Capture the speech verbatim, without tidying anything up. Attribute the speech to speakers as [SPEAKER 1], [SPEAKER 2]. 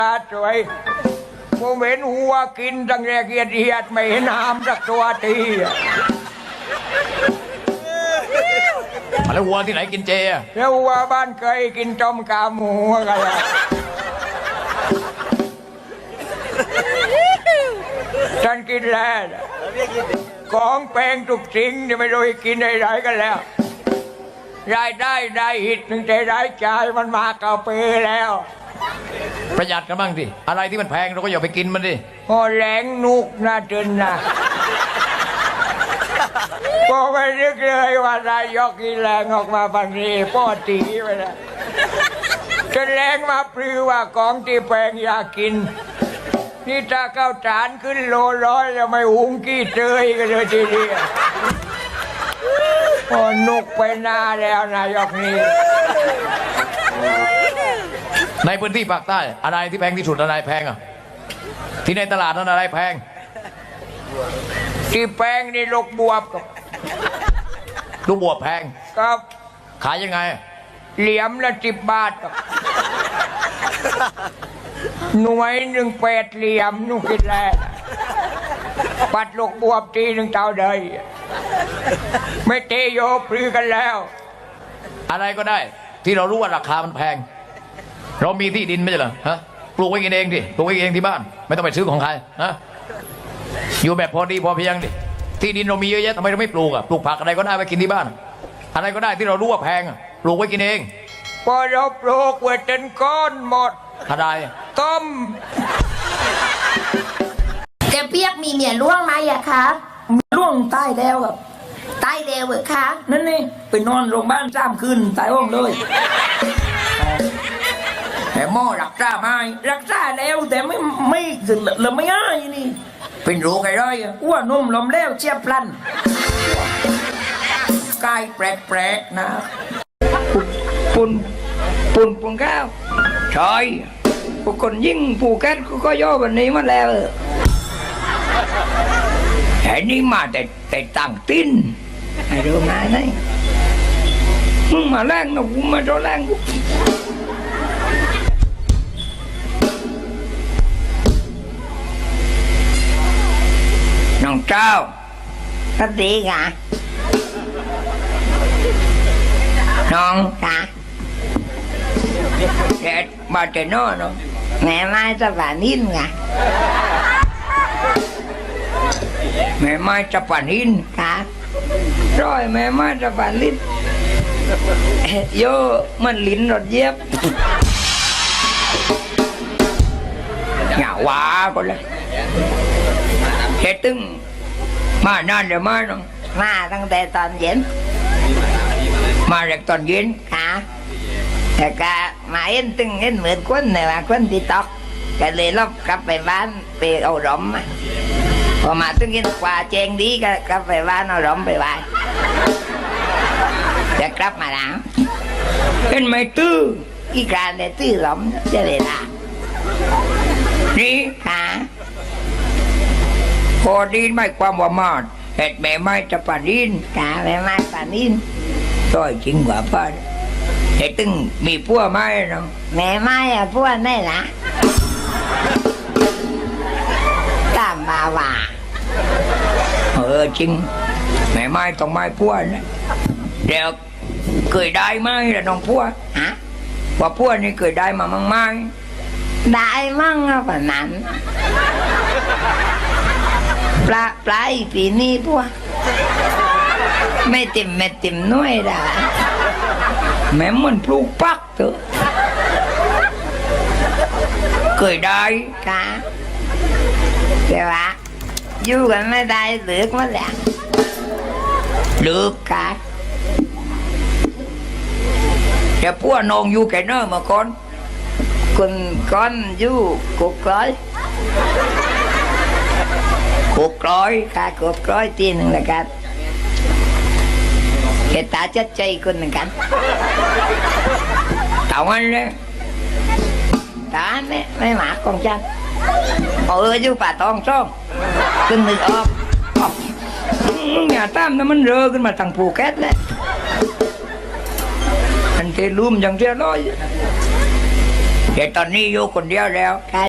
[SPEAKER 1] สวยผมเห็นหัวกินตั้งแต่เกียดเอียดไม่เห็นหามสักตัวที
[SPEAKER 2] แล้ววัวที่ไหนกินเจอะ
[SPEAKER 1] แล้วหัวบ้านเคยกินต้มกาหมูกันละฉันกินแล้วของแพงทุกสิ่งที่ไม่รู้กินอะไรกันแล้วรายได้ได้หิตหนึ่งแต่รายจ่ายมันมากระเปแล้ว
[SPEAKER 2] ประหยัดกันบ้างสิอะไรที่มันแพงเราก็อย่าไปกินมันดิ
[SPEAKER 1] พอแหลงนุกน่าจนนะพอไม่นึกเลยว่านายกกีแรงออกมาบังนี้ป้อตีไปแล้วจะแรงมาปลือว่าของที่แพงอยากกินนี่ถ้าข้าวสารขึ้นโลร้อยแล้วไม่หุงกี้เจยกันเลยทีเดียวพอนุกไปหน้าแล้วนายกนี้
[SPEAKER 2] ในพื้นที่ภาคใต้อะไรที่แพงที่สุดอะไรแพงอ่ะที่ในตลาดนั้นอะไรแพง
[SPEAKER 1] ที่แพงนี่ลูกบวบกับ
[SPEAKER 2] ลูกบวบแพง
[SPEAKER 1] ครับ
[SPEAKER 2] ขายยังไง
[SPEAKER 1] เหลี่ยมละสิบบาทกับหน่วยหนึ่งแปดเหลี่ยมนุ่งคิดแล้วปัดลูกบวบทีหนึ่งเท่าใดไม่เตโยปลือกันแล้ว
[SPEAKER 2] อะไรก็ได้ที่เรารู้ว่าราคามันแพงเรามีที่ดินไม่ใช่เหรอฮะปลูกไว้กินเองดิปลูกไว้เองที่บ้านไม่ต้องไปซื้อของใครฮะอยู่แบบพอดีพอเพียงดิที่ดินเรามีเยอะแยะทำไมเราไม่ปลูกอ่ะปลูกผักอะไรก็ได้ไว้กินที่บ้านอะไรก็ได้ที่เรารู้ว่าแพงอ่ะปลูกไว้กินเอง
[SPEAKER 1] พอเราปลูกไว้จนก้อนหมด
[SPEAKER 2] อะไร
[SPEAKER 1] ต้ม
[SPEAKER 3] แกเปียกมีเมียล่วงไหมอะคะ
[SPEAKER 4] ล่วงใต้แล้วครับ
[SPEAKER 3] ตายเร็วเหรอคะ
[SPEAKER 4] นั่นนี่ไปนอนโรงพยาบาลสามคืนตายห้องเลยแต่หมอรักษาไม่รักษาแล้วแต่ไม่ไม่เริ่มไม่ง่ายนี่เป็นโรคอะไรอ่ะอ้วนนุ่มลมแล้วเจียบพลันกายแปลกๆนะปุ่นปุ่นปุ่นข้าวใช่ผู้คนยิ่งผู้แก่ก็ย่อวันนี้มาแล้วแค่นี้มาแต่แต่ต่างติ้นไอ้รู้มาไหนมึงมาแรงนะกูมาโดนแรงกูน้องเจ้า
[SPEAKER 3] สวัสดีค่ะ
[SPEAKER 4] น้อง
[SPEAKER 3] ค่ะ
[SPEAKER 4] แกมาแต่นอนเนาะ
[SPEAKER 3] แม่ไม้จะป่านิ่นค่ะ
[SPEAKER 4] แม่ไม้จะป่านิน
[SPEAKER 3] ค่ะ
[SPEAKER 4] ร้อยแม่ไม้จะป่าลิ้นโยมันลิ้นรถเย็บอย่าว่าก็เลยเฮ็ดตึงมานานเดี๋ยวมาน้อง
[SPEAKER 3] มาตั้งแต่ตอนเย็น
[SPEAKER 4] มาจากตอนเย็น
[SPEAKER 3] ค่ะแต่ก็มาเอ็นตึงเอ็นเหมือนคนเนี่ยว่าคนที่ตอกก็เลยลบกลับไปบ้านไปเอาหลอมพอมาตึงเอ็นกว่าเจงดีก็กลับไปบ้านเอาหลอมไปไหว้จะกลับมาแล้ว
[SPEAKER 4] เอ็นไม่ตื้อ
[SPEAKER 3] อีการได้ตื้อหลอมจะเลยละ
[SPEAKER 4] นี่
[SPEAKER 3] ค่ะ
[SPEAKER 4] พอดีไม่ความว่ามาเห็ดแม่ไม้จะป่านิน
[SPEAKER 3] กาแม่ไม้ป่านิน
[SPEAKER 4] ต้อยจริงกว่าป้าเห็ดตึงมีพัวไม้เนาะ
[SPEAKER 3] แม่ไม้อะพวกนี่ละตามบาว่า
[SPEAKER 4] เออจริงแม่ไม้ต้องไม้พัวนะเดี๋ยวเคยได้ไหมล่ะน้องพัว
[SPEAKER 3] ฮะ
[SPEAKER 4] ว่าพัวนี่เคยได้มามั่งไหม
[SPEAKER 3] ได้มั่งอะป่ะนั้นปลาปลาอีปีนี้พวกไม่เต็มไม่เต็มน้อยด่า
[SPEAKER 4] แม่มันปลูกปักเถอะเคยได้
[SPEAKER 3] ค่ะแต่ว่าอยู่กันไม่ได้เลือกมาแล้ว
[SPEAKER 4] เลือก
[SPEAKER 3] ค่ะ
[SPEAKER 4] แต่พวกน้องอยู่แก่เนอมาก่อน
[SPEAKER 3] คนก้อนอยู่กุกร้อย
[SPEAKER 4] กุกร้อย
[SPEAKER 3] ค่ะกุกร้อยทีหนึ่งละกันแกตาจัดใจคนหนึ่งกัน
[SPEAKER 4] ตาวันเลย
[SPEAKER 3] ตาไม่ไม่หมาของจันเอออยู่ป่าตองช่องขึ้นนึกออก
[SPEAKER 4] อย่าตามนะมันเรอขึ้นมาทางภูเก็ตเลยอันเทลุ่มอย่างเทียร้อย
[SPEAKER 1] แต่ตอนนี้อยู่คนเดียวแล้ว